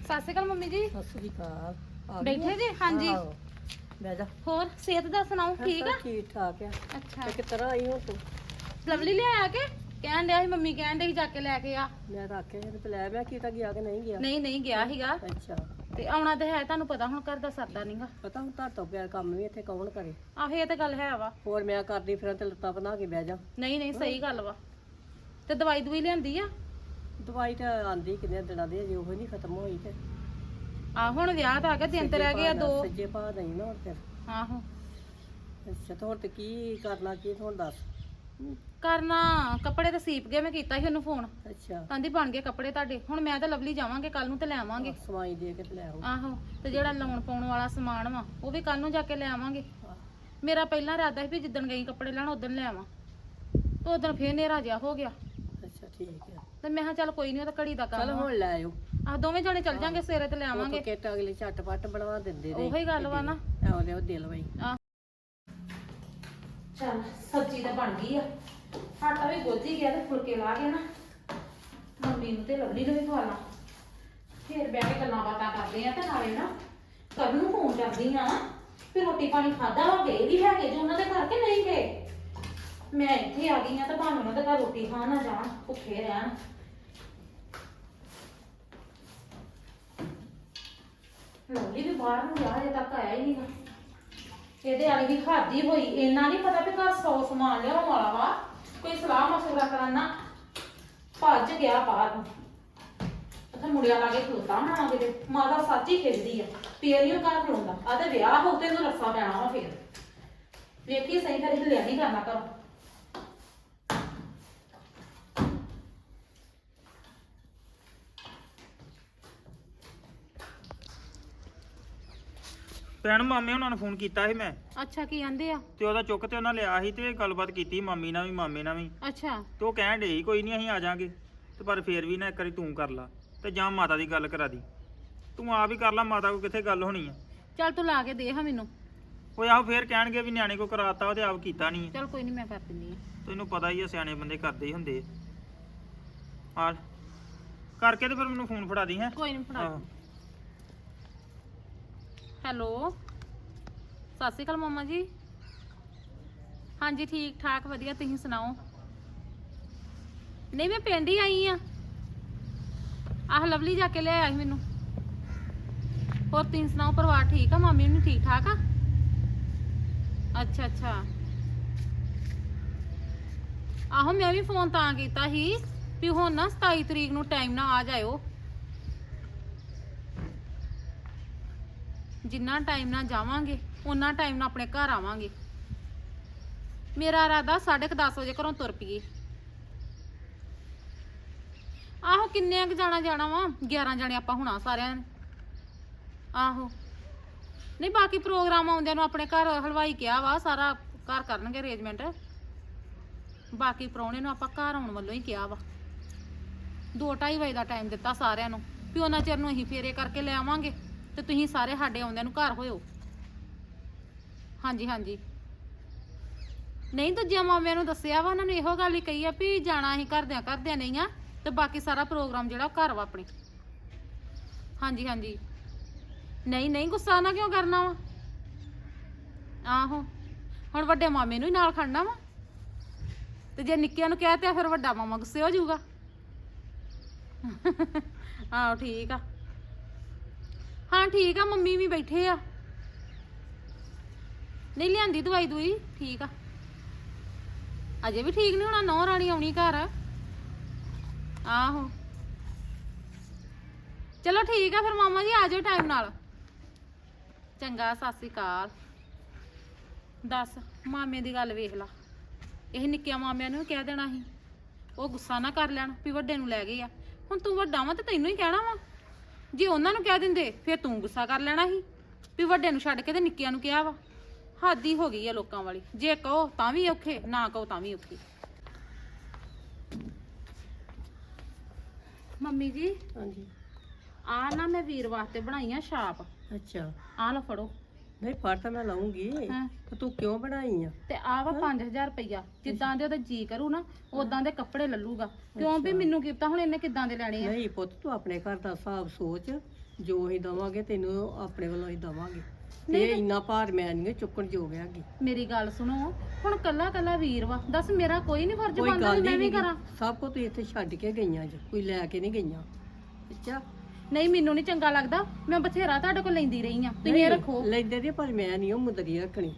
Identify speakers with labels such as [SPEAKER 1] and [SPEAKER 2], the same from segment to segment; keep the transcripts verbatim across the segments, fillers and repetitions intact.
[SPEAKER 1] ਸਤਿ ਸ਼੍ਰੀ ਅਕਾਲ ਮੰਮੀ ਜੀ।
[SPEAKER 2] ਸਤਿ ਸ੍ਰੀ ਅਕਾਲ। ਆ ਗਈ
[SPEAKER 1] ਬੈਠੇ
[SPEAKER 2] ਆ?
[SPEAKER 1] ਜੀ? ਹਾਂਜੀ।
[SPEAKER 2] ਆਹੋ। ਬਹਿ ਜਾ।
[SPEAKER 1] ਹੋਰ ਸਿਹਤ ਦਾ ਸੁਣਾਓ, ਠੀਕ ਆ?
[SPEAKER 2] ਠੀਕ ਠਾਕ ਆ।
[SPEAKER 1] ਅੱਛਾ,
[SPEAKER 2] ਤੇ ਕਿਸ ਤਰ੍ਹਾਂ ਆਈ ਹੋ ਤੂੰ?
[SPEAKER 1] ਲਵਲੀ ਲਿਆਇਆ ਕੇ ਕਹਿਣ ਡਿਆ ਸੀ, ਮੰਮੀ ਕਹਿਣ ਡਈ ਸੀ ਜਾ ਕੇ ਲੈ ਕੇ ਆ।
[SPEAKER 2] ਮੈਂ ਤਾਂ ਆਖਿਆ ਤੇ ਲੈ ਮੈਂ ਕੀਤਾ ਗਿਆ ਕਿ ਨਹੀਂ ਗਿਆ।
[SPEAKER 1] ਨਹੀਂ ਨਹੀਂ ਗਿਆ ਸੀਗਾ
[SPEAKER 2] ਅੱਛਾ।
[SPEAKER 1] ਤੇ ਆਉਣਾ ਤੇ ਹੈ, ਤੁਹਾਨੂੰ ਪਤਾ ਹੁਣ ਘਰ ਦਾ ਸਰਦਾ ਨਹੀਂਗਾ।
[SPEAKER 2] ਪਤਾ ਹੁਣ ਤੁਹਾਡੇ ਤੋਂ ਬਿਨਾਂ ਕੰਮ ਵੀ ਇੱਥੇ ਕੌਣ ਕਰੇ।
[SPEAKER 1] ਆਹੋ ਇਹ ਤੇ ਗੱਲ ਹੈ ਵਾ।
[SPEAKER 2] ਹੋਰ ਮੈਂ ਕਰਦੀ ਫਿਰਾਂ ਤੇ ਲੱਤਾਂ ਬਣਾ ਕੇ ਬਹਿ ਜਾ।
[SPEAKER 1] ਨਹੀਂ ਨਹੀਂ ਸਹੀ ਗੱਲ ਵਾ। ਤੇ ਦਵਾਈ ਦਵਾਈ ਲਿਆਂਦੀ ਆ?
[SPEAKER 2] ਦਵਾਈ ਤਾਂ ਆਂਦੀ ਕਿੰਨੇ ਦਿਨਾਂ ਦੀ, ਅਜੇ ਉਹ ਨਹੀਂ ਖਤਮ ਹੋਈ ਤੇ
[SPEAKER 1] ਆ ਹੁਣ ਵਿਆਹ ਤਾਂ ਆ ਗਿਆ, ਦਿਨ ਤੇ ਰਹਿ ਗਏ ਆ ਦੋ।
[SPEAKER 2] ਸੱਜੇ ਪਾ ਨਹੀਂ ਨਾ ਹੁਣ ਫਿਰ।
[SPEAKER 1] ਆਹੋ।
[SPEAKER 2] ਅੱਛਾ ਤੇ ਹੁਣ ਤੇ ਕੀ ਕਰਨਾ, ਕੀ ਹੁਣ ਦੱਸ।
[SPEAKER 1] ਕਰਨਾ ਕੱਪੜੇ ਤਾਂ ਸੀਪ ਗਏ, ਮੈਂ ਕੀਤਾ ਸੀ ਉਹਨੂੰ ਫੋਨ,
[SPEAKER 2] ਅੱਛਾ।
[SPEAKER 1] ਕਹਿੰਦੀ ਬਣ ਗਏ ਕੱਪੜੇ ਤੁਹਾਡੇ। ਹੁਣ ਮੈਂ ਤਾਂ ਲਵਲੀ ਜਾਵਾਂਗੇ ਕੱਲ ਨੂੰ ਤੇ ਲੈ ਆਵਾਂਗੇ।
[SPEAKER 2] ਸਵਾਈ ਦੇ ਕੇ ਤੇ ਲੈ ਆਓ।
[SPEAKER 1] ਆਹੋ। ਤੇ ਜਿਹੜਾ ਲਾਉਣ ਪਾਉਣ ਵਾਲਾ ਸਮਾਨ ਵਾ ਉਹ ਵੀ ਕੱਲ ਨੂੰ ਜਾ ਕੇ ਲੈ ਆਵਾਂਗੇ। ਮੇਰਾ ਪਹਿਲਾਂ ਇਰਾਦਾ ਸੀ ਵੀ ਜਿੱਦਣ ਗਈ ਕੱਪੜੇ ਲੈਣ ਉਦੋਂ ਲੈ ਆਵਾਂ, ਤੇ ਉਦੋਂ ਫੇਰ ਹਨੇਰਾ ਜਿਹਾ ਹੋ ਗਿਆ।
[SPEAKER 2] ਅੱਛਾ ਠੀਕ ਆ।
[SPEAKER 1] ਤੇ ਮੈਂ ਕਿਹਾ ਚੱਲ ਕੋਈ ਨਹੀਂ, ਉਹ ਤਾਂ ਘੜੀ ਦਾ ਕੰਮ
[SPEAKER 2] ਚਲ
[SPEAKER 1] ਆ।
[SPEAKER 2] ਹੁਣ ਲੈ ਆਇਓ।
[SPEAKER 1] ਆਹ ਦੋਵੇਂ ਜਣੇ ਚੱਲ ਜਾਂਗੇ ਸਵੇਰੇ ਤੇ ਲੈ ਆਵਾਂਗੇ।
[SPEAKER 2] ਉਹ ਕਿਟ ਅਗਲੇ ਝਟਪਟ ਬਣਵਾ ਦਿੰਦੇ ਨੇ।
[SPEAKER 1] ਉਹੀ ਗੱਲ ਵਾ ਨਾ।
[SPEAKER 2] ਆਹ ਲਿਓ ਦਿਲ ਵਈ।
[SPEAKER 1] ਚੱਲ ਸਬਜ਼ੀ ਤਾਂ ਬਣ ਗਈ ਆ, ਆਟਾ ਵੀ ਗੁੱਝ ਹੀ ਗਿਆ ਤੇ ਫੁਲਕੇ ਲਾ ਕੇ ਨਾ ਮੰਮੀ ਨੂੰ ਤੇ ਲਵਲੀ ਨੂੰ ਵੀ ਖਵਾ ਲਾਂ। ਫੇਰ ਬਹਿ ਕੇ ਗੱਲਾਂ ਬਾਤਾਂ ਕਰਦੇ ਆ ਤੇ ਨਾਲੇ ਨਾ ਕਰਨ ਨੂੰ ਫੋਨ ਕਰਦੀ ਆ ਵੀ ਰੋਟੀ ਪਾਣੀ ਖਾਦਾ ਵਾ, ਗਏ ਵੀ ਹੈਗੇ ਜੋ ਉਹਨਾਂ ਦੇ ਘਰ ਕੇ ਨਹੀਂ ਗਏ। ਮੈਂ ਇੱਥੇ ਆ ਗਈ ਆ ਤਾਂ ਭਾਵੇਂ ਉਹਨਾਂ ਦੇ ਘਰ ਰੋਟੀ ਖਾਣ ਨਾ ਜਾਣ, ਭੁੱਖੇ ਰਹਿਣ। ਲਵਲੀ ਵੀ ਬਾਹਰ ਨੂੰ ਗਿਆ, ਹਜੇ ਤੱਕ ਆਇਆ ਹੀ ਨਹੀਂਗਾ। ਇਹਦੇ ਵਾਲੀ ਵੀ ਖਾਦੀ ਹੋਈ, ਇੰਨਾ ਨਹੀਂ ਪਤਾ ਵੀ ਘਰ ਸੌ ਸਮਾਨ ਲਿਆਉਣ ਵਾਲਾ ਵਾ, ਕੋਈ ਸਲਾਹ ਮਸ਼ਵਰਾ ਕਰਨਾ ਭੱਜ ਗਿਆ ਬਾਹਰ ਨੂੰ। ਉੱਥੇ ਮੁੰਡਿਆਂ ਲਾਗੇ ਖਲੋਤਾ ਹੋਣਾ ਕਿਤੇ, ਮਾਤਾ ਸੱਚ ਹੀ ਖਿੱਚਦੀ ਆ, ਫੇਰ ਨਹੀਂ ਉਹ ਘਰ ਖਲੋਂਦਾ। ਆ ਤੇ ਵਿਆਹ ਹੋ ਤੇ ਇਹਨੂੰ ਰੱਸਾ ਪੈਣਾ ਵਾ ਫੇਰ। ਵੇਖੀ ਸਹੀ ਫਿਰ ਹਿੱਲਿਆ ਨਹੀਂ ਕਰਨਾ ਘਰ।
[SPEAKER 3] ਭੈਣ ਮਾਮੇ ਉਹਨਾਂ ਨੂੰ ਫੋਨ ਕੀਤਾ ਸੀ ਮੈਂ,
[SPEAKER 1] ਅੱਛਾ ਕੀ ਆਂਦੇ ਆ?
[SPEAKER 3] ਤੇ ਉਹਦਾ ਚੁੱਕ ਤੇ ਉਹਨਾਂ ਲਿਆ ਸੀ ਤੇ ਗੱਲਬਾਤ ਕੀਤੀ ਮਾਮੀ ਨਾਲ ਵੀ ਮਾਮੇ ਨਾਲ ਵੀ।
[SPEAKER 1] ਅੱਛਾ।
[SPEAKER 3] ਤੇ ਉਹ ਕਹਿਣ ਡੇ ਕੋਈ ਨਹੀਂ ਅਸੀਂ ਆ ਜਾਾਂਗੇ, ਤੇ ਪਰ ਫੇਰ ਵੀ ਨਾ ਇੱਕ ਵਾਰੀ ਤੂੰ ਕਰ ਲਾ ਤੇ ਜਾਂ ਮਾਤਾ ਦੀ ਗੱਲ ਕਰਾ ਦੀ। ਤੂੰ ਆਪ ਹੀ ਕਰ ਲਾ, ਮਾਤਾ ਕੋ ਕਿੱਥੇ ਗੱਲ ਹੋਣੀ ਆ।
[SPEAKER 1] ਚੱਲ ਤੂੰ ਲਾ ਕੇ ਦੇ ਹਾਂ ਮੈਨੂੰ।
[SPEAKER 3] ਉਹ ਆਹੋ ਫੇਰ ਕਹਿਣਗੇ ਵੀ ਨਿਆਣੇ ਕੋ ਕਰਾਤਾ, ਉਹਦੇ ਆਪ ਕੀਤਾ ਨਹੀਂ।
[SPEAKER 1] ਚੱਲ ਕੋਈ ਨਹੀਂ ਮੈਂ ਕਰ ਦਿੰਦੀ ਆ।
[SPEAKER 3] ਤੈਨੂੰ ਪਤਾ ਹੀ ਆ ਸਿਆਣੇ ਬੰਦੇ ਕਰਦੇ ਹੀ ਹੁੰਦੇ ਆ। ਕਰਕੇ ਤੇ ਫਿਰ ਮੈਨੂੰ ਫੋਨ ਫੜਾ ਦੀ। ਹੈ
[SPEAKER 1] ਕੋਈ ਨਹੀਂ ਫੜਾ। ਹੈਲੋ ਸਤਿ ਸ਼੍ਰੀ ਅਕਾਲ ਮਾਮਾ ਜੀ। ਹਾਂਜੀ ਠੀਕ ਠਾਕ ਵਧੀਆ, ਤੁਸੀਂ ਸੁਣਾਓ? ਨਹੀਂ ਮੈਂ ਪਿੰਡ ਹੀ ਆਈ ਆ। ਆਹ ਲਵਲੀ ਜਾ ਕੇ ਲੈ ਆਇਆ ਸੀ ਮੈਨੂੰ। ਹੋਰ ਤੁਸੀਂ ਸੁਣਾਓ, ਪਰਿਵਾਰ ਠੀਕ ਆ? ਮਾਮੀ ਨੂੰ ਠੀਕ ਠਾਕ ਆ? ਅੱਛਾ ਅੱਛਾ। ਆਹੋ ਮੈਂ ਵੀ ਫੋਨ ਤਾਂ ਕੀਤਾ ਸੀ ਵੀ ਹੁਣ ਨਾ ਸਤਾਈ ਤਰੀਕ ਨੂੰ ਟਾਈਮ ਨਾਲ ਆ ਜਾਇਓ। ਜਿੰਨਾ ਟਾਈਮ ਨਾਲ ਜਾਵਾਂਗੇ ਉਨਾ ਟਾਈਮ ਨਾਲ ਆਪਣੇ ਘਰ ਆਵਾਂਗੇ। ਮੇਰਾ ਇਰਾਦਾ ਸਾਢੇ ਕੁ ਦਸ ਵਜੇ ਘਰੋਂ ਤੁਰ ਪਈਏ। ਆਹੋ ਕਿੰਨੇ ਕੁ ਜਾਣਾ ਜਾਣਾ ਵਾ, ਗਿਆਰਾਂ ਜਾਣੇ ਆਪਾਂ ਹੋਣਾ ਸਾਰਿਆਂ ਨੇ। ਆਹੋ ਨਹੀਂ ਬਾਕੀ ਪ੍ਰੋਗਰਾਮ ਆਉਂਦਿਆਂ ਨੂੰ ਆਪਣੇ ਘਰ ਹਲਵਾਈ ਕਿਹਾ ਵਾ, ਸਾਰਾ ਘਰ ਕਰਨਗੇ ਅਰੇਂਜਮੈਂਟ। ਬਾਕੀ ਪ੍ਰਾਹੁਣੇ ਨੂੰ ਆਪਾਂ ਘਰ ਆਉਣ ਵੱਲੋਂ ਹੀ ਕਿਹਾ ਵਾ। ਦੋ ਢਾਈ ਵਜੇ ਦਾ ਟਾਈਮ ਦਿੱਤਾ ਸਾਰਿਆਂ ਨੂੰ ਵੀ ਉਹਨਾਂ ਚਿਰ ਨੂੰ ਅਸੀਂ ਫੇਰੇ ਕਰਕੇ ਲੈ ਆਵਾਂਗੇ ਤੇ ਤੁਸੀਂ ਸਾਰੇ ਸਾਡੇ ਆਉਂਦਿਆਂ ਨੂੰ ਘਰ ਹੋਇਓ। ਹਾਂਜੀ ਹਾਂਜੀ। ਨਹੀਂ ਦੂਜਿਆਂ ਮਾਮਿਆਂ ਨੂੰ ਦੱਸਿਆ ਵਾ, ਉਹਨਾਂ ਨੂੰ ਇਹੋ ਗੱਲ ਹੀ ਕਹੀ ਆ ਵੀ ਜਾਣਾ ਅਸੀਂ ਘਰਦਿਆਂ ਘਰਦਿਆਂ ਨਹੀਂ ਆ, ਤੇ ਬਾਕੀ ਸਾਰਾ ਪ੍ਰੋਗਰਾਮ ਜਿਹੜਾ ਉਹ ਘਰ ਵਾ ਆਪਣੇ। ਹਾਂਜੀ ਹਾਂਜੀ। ਨਹੀਂ ਨਹੀਂ ਗੁੱਸਾ ਨਾ ਕਿਉਂ ਕਰਨਾ ਵਾ। ਆਹੋ ਹੁਣ ਵੱਡੇ ਮਾਮੇ ਨੂੰ ਹੀ ਨਾਲ ਖੜਨਾ ਵਾ, ਤੇ ਜੇ ਨਿੱਕਿਆਂ ਨੂੰ ਕਹਿ ਤੇ ਫਿਰ ਵੱਡਾ ਮਾਮਾ ਗੁੱਸੇ ਹੋ ਜਾਊਗਾ। ਆਹੋ ਠੀਕ ਆ। ਹਾਂ ਠੀਕ ਆ, ਮੰਮੀ ਵੀ ਬੈਠੇ ਆ। ਨਹੀਂ ਲਿਆਂਦੀ ਦਵਾਈ ਦੂਈ, ਠੀਕ ਆ। ਅਜੇ ਵੀ ਠੀਕ ਨਹੀਂ ਹੋਣਾ, ਨੌ ਰਾਣੀ ਆਉਣੀ ਘਰ। ਆਹੋ ਚਲੋ ਠੀਕ ਆ ਫਿਰ ਮਾਮਾ ਜੀ, ਆ ਜਾਓ ਟਾਈਮ ਨਾਲ। ਚੰਗਾ ਸਤਿ ਸ੍ਰੀ ਅਕਾਲ। ਦੱਸ ਮਾਮੇ ਦੀ ਗੱਲ ਵੇਖ ਲਾ, ਇਹ ਨਿੱਕਿਆਂ ਮਾਮਿਆਂ ਨੂੰ ਕਹਿ ਦੇਣਾ ਸੀ, ਉਹ ਗੁੱਸਾ ਨਾ ਕਰ ਲੈਣ ਵੀ ਵੱਡੇ ਨੂੰ ਲੈ ਗਏ ਆ। ਹੁਣ ਤੂੰ ਵੱਡਾ ਵਾ ਤੇ ਤੈਨੂੰ ਹੀ ਕਹਿਣਾ ਵਾ। ਜੇ ਉਹਨਾਂ ਨੂੰ ਕਹਿ ਦਿੰਦੇ ਫਿਰ ਤੂੰ ਗੁੱਸਾ ਕਰ ਲੈਣਾ ਸੀ ਵੀ ਵੱਡੇ ਨੂੰ ਛੱਡ ਕੇ ਤੇ ਨਿੱਕਿਆਂ ਨੂੰ ਕਿਹਾ ਵਾ। ਹੱਦ ਹੀ ਹੋ ਗਈ ਆ ਲੋਕਾਂ ਵਾਲੀ, ਜੇ ਕਹੋ ਤਾਂ ਵੀ ਔਖੇ, ਨਾ ਕਹੋ ਤਾਂ ਵੀ ਔਖੇ। ਮੰਮੀ ਜੀ
[SPEAKER 2] ਹਾਂਜੀ।
[SPEAKER 1] ਆ ਨਾ ਮੈਂ ਵੀਰ ਵਾਸਤੇ ਬਣਾਈਆਂ ਛਾਪ।
[SPEAKER 2] ਅੱਛਾ।
[SPEAKER 1] ਆ ਲਓ ਫੜੋ।
[SPEAKER 2] ਨਹੀਂ ਫੜ ਤਾਂ ਮੈਂ ਲਾਉਂਗੀ,
[SPEAKER 1] ਹਾਂ
[SPEAKER 2] ਤੇ ਤੂੰ ਕਿਉਂ ਬਣਾਈ ਆ?
[SPEAKER 1] ਤੇ ਆ ਵਾ ਪੰਜ ਹਜ਼ਾਰ ਰੁਪਈਆ, ਜਿੱਦਾਂ ਦੇ ਉਹਦਾ ਜੀ ਕਰੂ ਨਾ ਉਦਾਂ ਦੇ ਕੱਪੜੇ ਲੱਲੂਗਾ। ਕਿਉਂ ਵੀ ਮੈਨੂੰ ਕੀ ਪਤਾ ਹੁਣ ਇਹਨੇ ਕਿੱਦਾਂ ਦੇ ਲੈਣੇ ਆ।
[SPEAKER 2] ਨਹੀਂ ਪੁੱਤ ਤੂੰ ਆਪਣੇ ਘਰ ਦਾ ਹਿਸਾਬ ਸੋਚ ਜੋ ਅਸੀਂ ਦਵਾਂਗੇ ਤੈਨੂੰ ਆਪਣੇ ਵੱਲੋਂ ਹੀ ਦਵਾਂਗੇ ਤੇ ਇੰਨਾ ਭਾਰ ਮੈਂ ਨਹੀਂ ਚੁੱਕਣ ਜੋਗ ਹੈਗੀ।
[SPEAKER 1] ਮੇਰੀ ਗੱਲ ਸੁਣੋ, ਹੁਣ ਕੱਲਾ ਕੱਲਾ ਵੀਰ ਵਾ, ਦੱਸ ਮੇਰਾ ਕੋਈ ਨਹੀਂ ਫਰਜ਼
[SPEAKER 2] ਕੋਈ
[SPEAKER 1] ਬਣਦਾ
[SPEAKER 2] ਗੱਲ
[SPEAKER 1] ਵੀ ਮੈਂ ਵੀ
[SPEAKER 2] ਨਹੀਂ
[SPEAKER 1] ਕਰਾਂ।
[SPEAKER 2] ਸਭ ਕੁਝ ਤੁਸੀਂ ਇੱਥੇ ਛੱਡ ਕੇ ਗਈਆਂ ਜੀ, ਕੋਈ ਲੈ ਕੇ ਨਹੀਂ ਗਈਆਂ। ਅੱਛਾ
[SPEAKER 1] ਨਹੀਂ ਮੈਨੂੰ ਨਹੀਂ ਚੰਗਾ ਲੱਗਦਾ, ਮੈਂ ਬਥੇਰਾ ਤੁਹਾਡੇ ਕੋਲ ਲੈਂਦੀ ਰਹੀ ਆ, ਤੁਸੀਂ ਇਹ ਰੱਖੋ।
[SPEAKER 2] ਲੈਂਦੇ ਦੀ ਪਰ ਮੈਂ ਨਹੀਂ ਉਹ ਮੁੰਦਰੀ ਰੱਖਣੀ,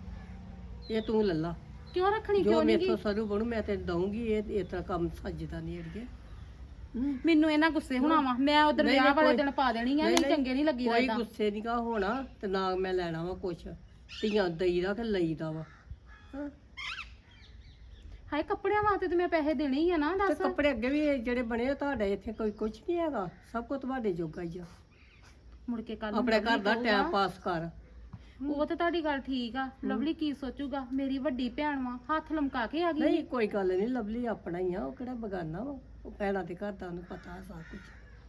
[SPEAKER 2] ਇਹ ਤੂੰ ਲੱਲਾ
[SPEAKER 1] ਕਿਉਂ ਰੱਖਣੀ,
[SPEAKER 2] ਜੋ
[SPEAKER 1] ਕਿਉਂ ਨਹੀਂ
[SPEAKER 2] ਮੇਥੋਂ ਸਰੂ ਬਣੂ ਮੈਂ ਤੇ ਦਊਂਗੀ। ਇਹ ਇਸ ਤਰ੍ਹਾਂ ਕੰਮ ਸੱਜਦਾ ਨਹੀਂ ਅੜੀਏ। ਹੂੰ।
[SPEAKER 1] ਮੈਨੂੰ ਇਹਨਾਂ ਗੁੱਸੇ ਹੋਣਾ ਵਾ, ਮੈਂ ਉਧਰ
[SPEAKER 2] ਨਹੀਂ,
[SPEAKER 1] ਵਿਆਹ
[SPEAKER 2] ਨਹੀਂ,
[SPEAKER 1] ਵਾਲੇ
[SPEAKER 2] ਕੋਈ-
[SPEAKER 1] ਦਿਨ ਪਾ ਦੇਣੀ ਆ,
[SPEAKER 2] ਨਹੀਂ,
[SPEAKER 1] ਨਹੀਂ
[SPEAKER 2] ਨਹੀਂ,
[SPEAKER 1] ਚੰਗੇ ਨਹੀਂ ਲੱਗੀ
[SPEAKER 2] ਕੋਈ
[SPEAKER 1] ਲੱਗਦਾ।
[SPEAKER 2] ਗੁੱਸੇ ਨਹੀਂ ਕਾ ਹੋਣਾ ਤੇ ਨਾ ਮੈਂ ਲੈਣਾ ਵਾ ਕੁਛ, ਧੀਆਂ ਦਈਦਾ ਕਿ ਲਈਦਾ ਵਾ। ਹਾਂ।
[SPEAKER 1] ਹਾਏ ਕੱਪੜਿਆਂ ਵਾਸਤੇ ਤੇ ਮੈਂ ਪੈਸੇ ਦੇਣੇ ਹੀ ਆ ਨਾ,
[SPEAKER 2] ਤੇ
[SPEAKER 1] ਦੱਸ।
[SPEAKER 2] ਕੱਪੜੇ ਅੱਗੇ ਵੀ ਇਹ ਜਿਹੜੇ ਬਣੇ ਆ ਤੁਹਾਡੇ ਇੱਥੇ ਕੋਈ ਕੁਛ ਨਹੀਂ ਹੈਗਾ, ਸਭ ਕੁਝ ਤੁਹਾਡੇ ਜੋਗਾ ਹੀ ਆ।
[SPEAKER 1] ਮੁੜ ਕੇ ਕੱਲ
[SPEAKER 2] ਆਪਣੇ ਘਰ ਦਾ ਟਾਈਮ ਪਾਸ ਕਰ।
[SPEAKER 1] ਉਹ ਤਾਂ ਤੁਹਾਡੀ ਗੱਲ ਠੀਕ ਆ, ਲਵਲੀ ਕੀ ਸੋਚੂਗਾ, ਮੇਰੀ ਵੱਡੀ ਭੈਣ ਵਾ, ਹੱਥ ਲਮਕਾ ਕੇ ਆ ਗਈ।
[SPEAKER 2] ਨਹੀਂ ਕੋਈ ਗੱਲ ਨਹੀਂ, ਲਵਲੀ ਆਪਣਾ ਹੀ ਆ, ਉਹ ਕਿਹੜਾ ਬਗਾਨਾ ਵਾ, ਉਹ ਭੈਣਾਂ ਦੇ ਘਰ ਦਾ ਉਹਨੂੰ ਪਤਾ ਸਭ ਕੁਝ।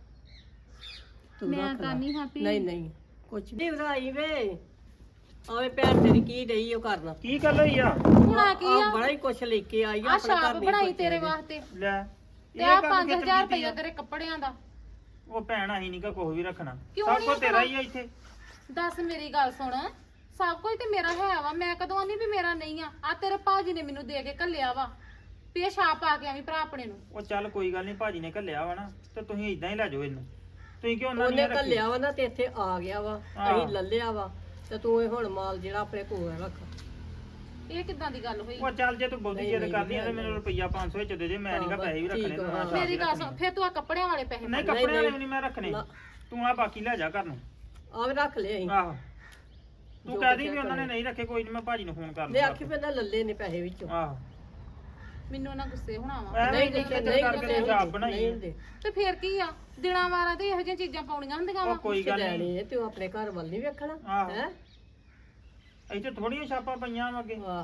[SPEAKER 2] ਤੂੰ
[SPEAKER 1] ਮੈਂ
[SPEAKER 2] ਰੱਖ
[SPEAKER 1] ਤਾਂ
[SPEAKER 2] ਲਾ।
[SPEAKER 1] ਨਹੀਂ happy।
[SPEAKER 2] ਨਹੀਂ ਨਹੀਂ ਕੁਛ ਨਹੀਂ ਵਧਾਈ ਵੇ, ਆਵੇ ਭੈਣ ਤੇਰੀ ਕੀ ਡਈ ਉਹ ਕਰਨਾ।
[SPEAKER 3] ਕੀ ਗੱਲ ਹੋਈ ਆ?
[SPEAKER 1] ਹੁਣਾ ਕੀ
[SPEAKER 2] ਆਹ
[SPEAKER 1] ਆ,
[SPEAKER 2] ਬੜਾ ਹੀ ਕੁਛ ਲੈ ਕੇ ਆਈ ਆ
[SPEAKER 1] ਆ
[SPEAKER 2] ਆਪਣੇ ਘਰ
[SPEAKER 1] ਛਾਪ
[SPEAKER 2] ਨਹੀਂ
[SPEAKER 1] ਬਣਾਈ
[SPEAKER 2] ਸੋਚਿਆ
[SPEAKER 1] ਤੇਰੇ
[SPEAKER 2] ਇਹਨੇ।
[SPEAKER 1] ਵਾਸਤੇ
[SPEAKER 3] ਲੈ
[SPEAKER 1] ਤੇ ਆ
[SPEAKER 3] ਕੰਮ
[SPEAKER 1] ਪੰਜ
[SPEAKER 3] ਕਿੱਥੇ
[SPEAKER 1] ਹਜ਼ਾਰ
[SPEAKER 3] ਕੀਤੀ
[SPEAKER 1] ਰੁਪਇਆ
[SPEAKER 3] ਆ?
[SPEAKER 1] ਤੇਰੇ ਕੱਪੜਿਆਂ ਦਾ।
[SPEAKER 3] ਉਹ ਭੈਣ ਅਸੀਂ ਨਹੀਂ ਕਾ ਕੁਝ ਵੀ ਰੱਖਣਾ,
[SPEAKER 1] ਕਿਉਂ
[SPEAKER 3] ਸਭ
[SPEAKER 1] ਨੀ
[SPEAKER 3] ਕੁਝ ਤੇਰਾ
[SPEAKER 1] ਰੱਖਣਾ?
[SPEAKER 3] ਹੀ ਆ ਇੱਥੇ।
[SPEAKER 1] ਦੱਸ ਮੇਰੀ ਗੱਲ ਸੁਣ, ਸਭ ਕੁਝ ਤੇ ਮੇਰਾ ਹੈ ਵਾ, ਮੈਂ ਕਦੋਂ ਆਨੀ ਵੀ ਮੇਰਾ ਨਹੀਂ ਆ। ਆ ਤੇਰੇ ਭਾਜੀ ਨੇ ਮੈਨੂੰ ਦੇ ਕੇ ਘੱਲਿਆ ਵਾ ਵੀ ਇਹ ਛਾਪ ਆ ਕੇ ਆਵੀਂ ਭਰਾ ਆਪਣੇ ਨੂੰ।
[SPEAKER 3] ਉਹ ਚੱਲ ਕੋਈ ਗੱਲ ਨਹੀਂ, ਭਾਜੀ ਨੇ ਘੱਲਿਆ ਵਾ ਨਾ, ਤੇ ਤੁਸੀਂ ਇਦਾਂ ਹੀ ਲੈ ਜਾਓ ਇਹਨੂੰ। ਤੁਸੀਂ ਕਿਉਂ ਉਹਨਾਂ
[SPEAKER 2] ਉਹਨੇ
[SPEAKER 3] ਨੇ ਰੱਖੀ?
[SPEAKER 2] ਘੱਲਿਆ ਵਾ ਨਾ ਤੇ ਇੱਥੇ ਆ ਗਿਆ ਵਾ,
[SPEAKER 3] ਹਾਂ।
[SPEAKER 2] ਅਸੀਂ ਲੱਲਿਆ ਵਾ ਤੇ ਤੂੰ ਇਹ ਹੁਣ ਮਾਲ ਜਿਹੜਾ ਆਪਣੇ ਕੋਲ ਰੱਖ।
[SPEAKER 1] ਇਹ ਕਿੱਦਾਂ ਦੀ ਗੱਲ ਹੋਈ?
[SPEAKER 3] ਉਹ ਚੱਲ ਜੇ ਤੂੰ ਬਹੁਤੀ
[SPEAKER 2] ਨਹੀਂ,
[SPEAKER 3] ਜਿੱਦ
[SPEAKER 2] ਨਹੀਂ,
[SPEAKER 3] ਕਰਦੀ ਆ ਤੇ
[SPEAKER 2] ਨਹੀਂ,
[SPEAKER 3] ਮੈਨੂੰ ਰੁਪਈਆ ਪੰਜ ਸੌ ਵਿੱਚ ਦੇ ਦੇ, ਮੈਂ ਨਹੀਂ ਕਾ
[SPEAKER 2] ਹਾਂ,
[SPEAKER 3] ਪੈਸੇ ਵੀ
[SPEAKER 2] ਠੀਕ
[SPEAKER 3] ਰੱਖਣੇ,
[SPEAKER 2] ਆ,
[SPEAKER 3] ਤੂੰ ਆਹ ਛਾਪ
[SPEAKER 1] ਮੇਰੀ
[SPEAKER 3] ਹੀ
[SPEAKER 1] ਗੱਲ ਸੁਣ,
[SPEAKER 3] ਰੱਖਣੀ।
[SPEAKER 1] ਫਿਰ ਤੂੰ ਆ ਕੱਪੜਿਆਂ ਵਾਲੇ ਪੈਸੇ
[SPEAKER 3] ਨਹੀਂ
[SPEAKER 1] ਫੜ।
[SPEAKER 3] ਕੱਪੜੇ ਵਾਲੇ
[SPEAKER 2] ਨਹੀਂ,
[SPEAKER 3] ਵੀ ਨਹੀਂ ਮੈਂ ਰੱਖਣੇ,
[SPEAKER 2] ਨਾ।
[SPEAKER 3] ਤੂੰ ਆ ਬਾਕੀ ਲੈ ਜਾ ਘਰ ਨੂੰ।
[SPEAKER 2] ਆਵੇ ਰੱਖ ਲਿਆ ਅਸੀਂ।
[SPEAKER 3] ਆਹੋ ਤੂੰ
[SPEAKER 2] ਜੋ
[SPEAKER 3] ਕਹਿ
[SPEAKER 2] ਕੁਛ
[SPEAKER 3] ਦੀ ਵੀ
[SPEAKER 2] ਹੈ
[SPEAKER 3] ਉਹਨਾਂ ਨੇ
[SPEAKER 2] ਕਰੇ।
[SPEAKER 3] ਨਹੀਂ ਰੱਖੇ, ਕੋਈ ਨਹੀਂ ਮੈਂ ਭਾਜੀ ਨੂੰ ਫੋਨ ਕਰ
[SPEAKER 2] ਲੈ
[SPEAKER 3] ਲੂੰਗਾ।
[SPEAKER 2] ਆਖੀ ਪੈਂਦਾ ਲੱਲੇ ਨੇ ਪੈਸੇ ਵਿੱਚੋਂ।
[SPEAKER 3] ਆਹੋ
[SPEAKER 1] ਮੈਨੂੰ ਨਾ ਗੁੱਸੇ ਹੋਣਾ ਵਾ।
[SPEAKER 3] ਐਵੇਂ
[SPEAKER 2] ਨਹੀਂ
[SPEAKER 3] ਨਹੀਂ
[SPEAKER 2] ਨਹੀਂ
[SPEAKER 3] ਨਹੀਂ ਕਰਕੇ
[SPEAKER 2] ਨਹੀਂ
[SPEAKER 3] ਛਾਪ ਬਣਾਈ
[SPEAKER 2] ਨਹੀਂ
[SPEAKER 3] ਹੈ।
[SPEAKER 2] ਹੁੰਦੇ।
[SPEAKER 1] ਤੇ ਫਿਰ ਕੀ ਆ, ਦਿਨਾਂ ਵਾਰਾਂ ਤੇ ਇਹੋ ਜਿਹੀਆਂ ਚੀਜ਼ਾਂ ਪਾਉਣੀਆਂ ਹੁੰਦੀਆਂ
[SPEAKER 3] ਉਹ
[SPEAKER 1] ਵਾ।
[SPEAKER 3] ਕੋਈ ਗੱਲ ਨਹੀਂ,
[SPEAKER 2] ਲੈਣੇ ਤੇ ਉਹ ਆਪਣੇ ਘਰ ਵੱਲ ਨਹੀਂ ਵੇਖਣਾ
[SPEAKER 3] ਆਹੋ।
[SPEAKER 2] ਹੈ।
[SPEAKER 3] ਇੱਥੇ ਥੋੜੀਆਂ ਛਾਪਾਂ ਪਈਆਂ ਵਾ ਅੱਗੇ।
[SPEAKER 2] ਵਾਹ